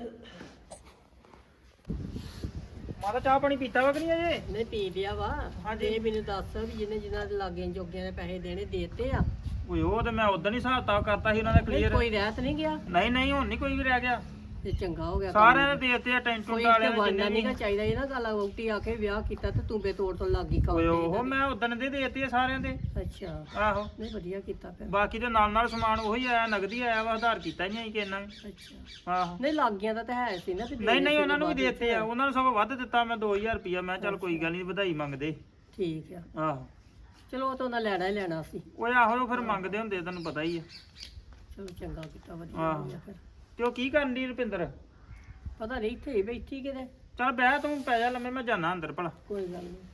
[SPEAKER 3] ਮਾਤਾ ਚਾਹ ਪਾਣੀ ਪੀਤਾ ਵਾ ਕਿ ਨਹੀਂ ਅਜੇ
[SPEAKER 2] ਨਹੀਂ ਪੀ ਲਿਆ ਵਾ
[SPEAKER 3] ਹਾਂਜੀ।
[SPEAKER 2] ਇਹ ਮੈਨੂੰ ਦੱਸ ਵੀ ਜਿਹਨੇ ਜਿਨ੍ਹਾਂ ਦੇ ਲਾਗੇ ਜੋਗਿਆਂ ਦੇ ਪੈਸੇ ਦੇਣੇ ਦੇਤੇ ਆ
[SPEAKER 3] ਓਏ ਉਹ ਤੇ ਮੈਂ ਉਦੋਂ ਹੀ ਹਿਸਾਬ ਕਿਤਾਬ ਕਰਤਾ ਸੀ ਉਹਨਾਂ ਦਾ
[SPEAKER 2] ਨਹੀਂ,
[SPEAKER 3] ਕਲੀਅਰ
[SPEAKER 2] ਕੋਈ ਰਹਿਤ ਨਹੀਂ ਗਿਆ
[SPEAKER 3] ਨਹੀਂ ਨਹੀਂ ਹੁਣ ਨਹੀਂ ਕੋਈ ਵੀ ਰਹਿ ਗਿਆ
[SPEAKER 2] ਤੇ ਚੰਗਾ ਹੋ ਗਿਆ
[SPEAKER 3] ਸਾਰਿਆਂ ਨੇ ਦੇਤੇ ਆ ਟੈਂਸ਼ਨ
[SPEAKER 2] ਕੋਈ
[SPEAKER 3] ਵਾਲਿਆਂ
[SPEAKER 2] ਤੇ
[SPEAKER 3] ਦੇ
[SPEAKER 2] ਵਾਨਾ
[SPEAKER 3] ਜਿੰਨੇ
[SPEAKER 2] ਨਹੀਂ
[SPEAKER 3] ਵੀ
[SPEAKER 2] ਚਾਹੀਦਾ ਇਹ ਨਾ ਗੱਲ ਵੋਟੀ ਆ ਕੇ ਵਿਆਹ ਕੀਤਾ ਤੇ ਤੂੰ ਬੇਤੋੜ ਤੋਂ ਲੱਗ ਗਈ ਕੰਮ
[SPEAKER 3] ਓਏ
[SPEAKER 2] ਤੇ
[SPEAKER 3] ਉਹ
[SPEAKER 2] ਇਹਨਾਂ
[SPEAKER 3] ਮੈਂ ਉਦੋਂ ਦੇ ਦੇਤੇ ਆ ਸਾਰਿਆਂ ਦੇ
[SPEAKER 2] ਦੇ। ਅੱਛਾ
[SPEAKER 3] ਆਹੋ
[SPEAKER 2] ਨਹੀਂ ਵਧੀਆ ਕੀਤਾ ਫਿਰ
[SPEAKER 3] ਬਾਕੀ ਦੇ ਨਾਲ ਨਾਲ ਸਮਾਨ ਉਹੀ ਆਇਆ ਨਗਦੀ ਆਇਆ ਵਾ ਆਧਾਰ ਕੀਤਾ ਹੀ ਨਹੀਂ ਕਿ ਇੰਨਾ ਵੀ।
[SPEAKER 2] ਅੱਛਾ
[SPEAKER 3] ਆਹੋ
[SPEAKER 2] ਨਹੀਂ ਲੱਗ ਗਿਆ ਤਾਂ ਹੈ ਸੀ ਨਾ ਤੇ
[SPEAKER 3] ਨਹੀਂ ਨਹੀਂ
[SPEAKER 2] ਦੇਣੇ
[SPEAKER 3] ਉਹਨਾਂ ਨੂੰ ਵੀ
[SPEAKER 2] ਸੀ
[SPEAKER 3] ਦੇਤੇ ਆ ਉਹਨਾਂ ਨੂੰ ਸਭ ਵੱਧ ਦਿੱਤਾ ਮੈਂ ਦੋ ਹਜ਼ਾਰ ਰੁਪਇਆ ਮੈਂ ਚੱਲ ਕੋਈ ਗੱਲ ਨਹੀਂ ਵਧਾਈ ਮੰਗਦੇ
[SPEAKER 2] ਠੀਕ ਆ
[SPEAKER 3] ਆਹੋ
[SPEAKER 2] ਚਲੋ ਉਹ ਤਾਂ ਉਹਨਾਂ ਲੈਣਾ ਹੀ ਲੈਣਾ ਸੀ
[SPEAKER 3] ਓਏ ਆਹੋ ਉਹ ਫਿਰ ਮੰਗਦੇ ਹੁੰਦੇ ਤੈਨੂੰ ਪਤਾ ਹੀ ਆ
[SPEAKER 2] ਚਲੋ ਚੰਗਾ ਕੀਤਾ ਵਧੀਆ
[SPEAKER 3] ਆਹੋ।
[SPEAKER 2] ਹੋ ਗਿਆ ਫਿਰ
[SPEAKER 3] ਤੇ ਉਹ ਕੀ ਕਰਨ ਦੀ ਰੁਪਿੰਦਰ
[SPEAKER 2] ਪਤਾ ਨਹੀਂ ਇੱਥੇ ਹੀ ਬੈਠੀ ਕਿਤੇ
[SPEAKER 3] ਚੱਲ ਬਹਿ ਤੂੰ ਪੈ ਜਾ ਲੰਮੇ ਮੈਂ ਜਾਣਾ ਅੰਦਰ ਭਲਾ
[SPEAKER 2] ਕੋਈ ਗੱਲ ਨਹੀਂ